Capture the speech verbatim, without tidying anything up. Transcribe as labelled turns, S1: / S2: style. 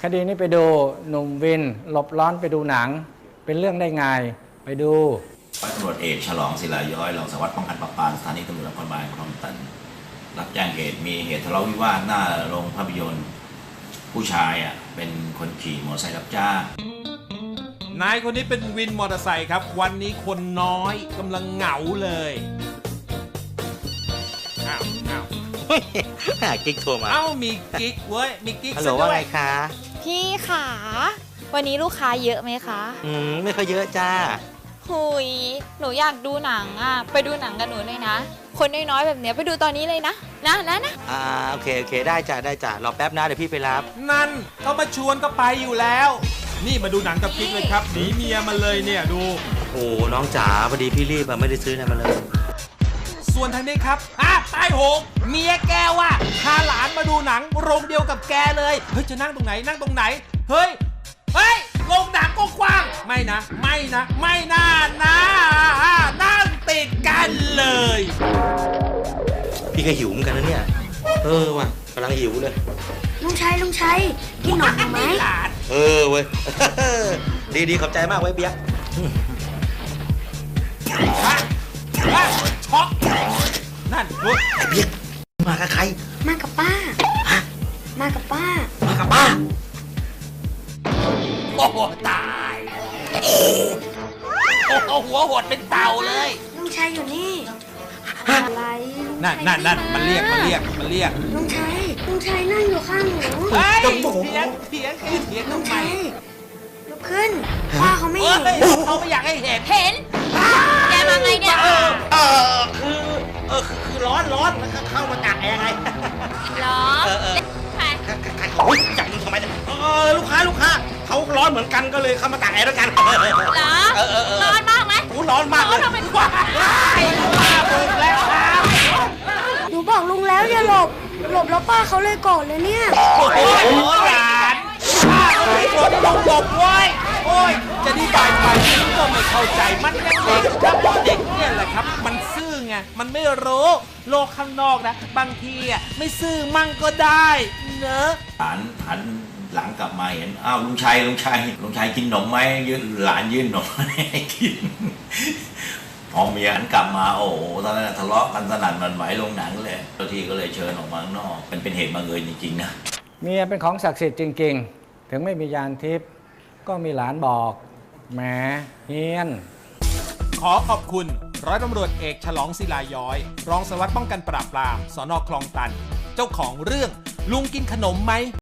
S1: คดีนี้ไปดูหนุ่มวินหลบร้อนไปดูหนังเป็นเรื่องได้ไงไปดู
S2: ร้อยตำรวจเอกฉลองศิลาย้อยรองสารวัตรป้องกันปราบปรามสถานีตำรวจนครบาลคลองตันรับแจ้งเหตุมีเหตุทะเลาะวิวาทหน้าโรงภาพยนตร์ผู้ชายอ่ะเป็นคนขี่มอเตอร์ไซค์รับจ้าง
S3: นายคนนี้เป็นวินมอเตอร์ไซค์ครับวันนี้คนน้อยกำลังเหงาเลยอ้าวอ้าว
S4: หากิ๊กโทรมา
S3: เอ้ามีกิ๊กเว้ยมีกิ๊ก
S4: ฮัลโหลว่าไงคะ
S5: พี่ขาวันนี้ลูกค้าเยอะไหมคะ
S4: อืมไม่ค่อยเยอะจ้า
S5: หุยหนูอยากดูหนังอ่ะไปดูหนังกับหนูเลยนะคนน้อยๆแบบเนี้ยไปดูตอนนี้เลยนะนะนะนะ
S4: อ่าโอเคโอเคได้จ้าได้จ้ารอแป๊บนะเดี๋ยวพี่ไปรับ
S3: นั่นเขามาชวนก็ไปอยู่แล้วนี่มาดูหนังกับกิ๊กเลยครับหนีเมียมาเลยเนี่ยดู
S4: โอ้น้องจ๋าพอดีพี่รีบไม่ได้ซื้อนะมาเลย
S3: ส่วนทางนี้ครับอ่ะใต้หงเมียแกว่ะพาหลานมาดูหนังโรงเดียวกับแกเลยเฮ้ยจะนั่งตรงไหนนั่งตรงไหนเฮ้ยเฮ้ยโรงหนังก็กว้างไม่นะไม่นะไม่น่านะนั่งติดกันเลย
S4: พี่ก็หิวเหมือนกันนะเนี่ยเออว่ะกำลังหิวเลย
S6: ลุงชัยลุงชัยกินหนมไหม
S4: เออเว้ยดีดีขอบใจมากไว้เปียก
S3: ฮะฮะช็อกนั่นเฮ้ย
S4: ไอ้เปียกมากับใคร
S6: มากับป้าฮะมากับป้า
S4: มากับป้า
S3: โอ้โหตายโอ้โหหัวหดเป็นเต่าเลย
S6: ลุงชัยอยู่นี่อะไร
S3: นั่นนั่นนั่นมันเรียกมันเรียกมันเรียก
S6: ลุงชัยลุงชัยนั่งอยู่ข้างหนู
S3: เฮ้ยเถียงเถียงคือเถียงทำไม
S6: ลุกขึ้นป้าเขาไม่เห็น
S3: เขาไม่อยากให้เห็น
S5: เห็นแกมาไงเนี่ย
S4: เออเออคือเออคือร้อนร้อนแล้วเข้ามาตากแอร์ไง
S5: ร้อน
S4: เออเออ
S5: ใคร
S4: ใครเขาจับมึงทำไมเนี่ยเออลูกค้าลูกค้าเขาร้อนเหมือนกันก็เลยเข้ามาตากแอร์ด้วยกัน
S5: เหรอร้อนมากไหม
S4: กูร้อนมากเลย
S5: ทำไมว้าย
S3: บุกแล้วครับ
S6: หนูบอกลุงแล้วอย่าหลบหลบแล้วป้าเขาเลยโกรธเลยเนี่ย
S3: โอ้โหหลานป้าเขาไม่โกรธลงหลบเว้ยโอ้ยจะดีใจไปก็ไม่เข้าใจมันเด็กครับเด็กเนี่ยแหละครับมันซื่อไงมันไม่รู้โลกข้างนอกนะบางทีอ่ะไม่ซื่อมั่งก็ได้เนอะ
S2: หลานหันหลังกลับมาเห็นอ้าวลุงชัยลุงชัยลุงชัยกินหนมไหมยืนหลานยื่นหนมให้กินพอเมียหันกลับมาโอ้โหตอนนั้นทะเลาะกันสนั่นหวั่นไหวลงหนังเลยเจ้าที่ก็เลยเชิญออกมาข้างนอกเป็นเป็นเหตุบังเอิญจริงๆนะ
S1: เมียเป็นของศักดิ์สิทธิ์จริงๆถึงไม่มียานทิพย์ก็มีหลานบอกแหมเฮียน
S3: ขอขอบคุณร้อยตำรวจเอกฉลองศิลาย้อยรองสารวัตรป้องกันปราบปรามสน.คลองตันเจ้าของเรื่องลุงกินขนมไหม